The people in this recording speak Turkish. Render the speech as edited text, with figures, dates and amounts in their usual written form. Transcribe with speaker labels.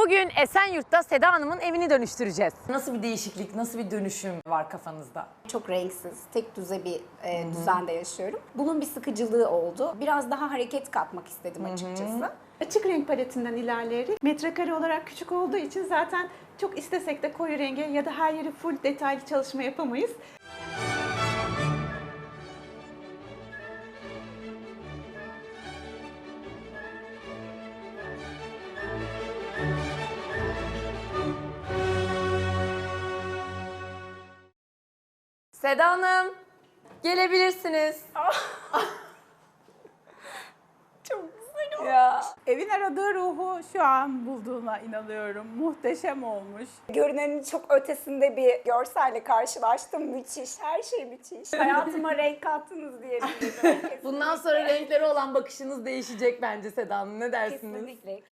Speaker 1: Bugün Esenyurt'ta Seda Hanım'ın evini dönüştüreceğiz. Nasıl bir değişiklik, nasıl bir dönüşüm var kafanızda?
Speaker 2: Çok renksiz, tek düze bir düzende yaşıyorum. Bunun bir sıkıcılığı oldu. Biraz daha hareket katmak istedim açıkçası.
Speaker 3: Açık renk paletinden ilerleyerek metrekare olarak küçük olduğu için zaten çok istesek de koyu renge ya da her yeri full detaylı çalışma yapamayız.
Speaker 1: Seda Hanım, gelebilirsiniz.
Speaker 2: Çok güzel oldu.
Speaker 1: Ya.
Speaker 4: Evin aradığı ruhu şu an bulduğuna inanıyorum. Muhteşem olmuş.
Speaker 2: Görünenin çok ötesinde bir görselle karşılaştım. Müthiş, her şey müthiş. Hayatıma renk kattınız diyebilirim.
Speaker 1: Bundan sonra renklere olan bakışınız değişecek bence Seda Hanım. Ne dersiniz?
Speaker 2: Kesinlikle.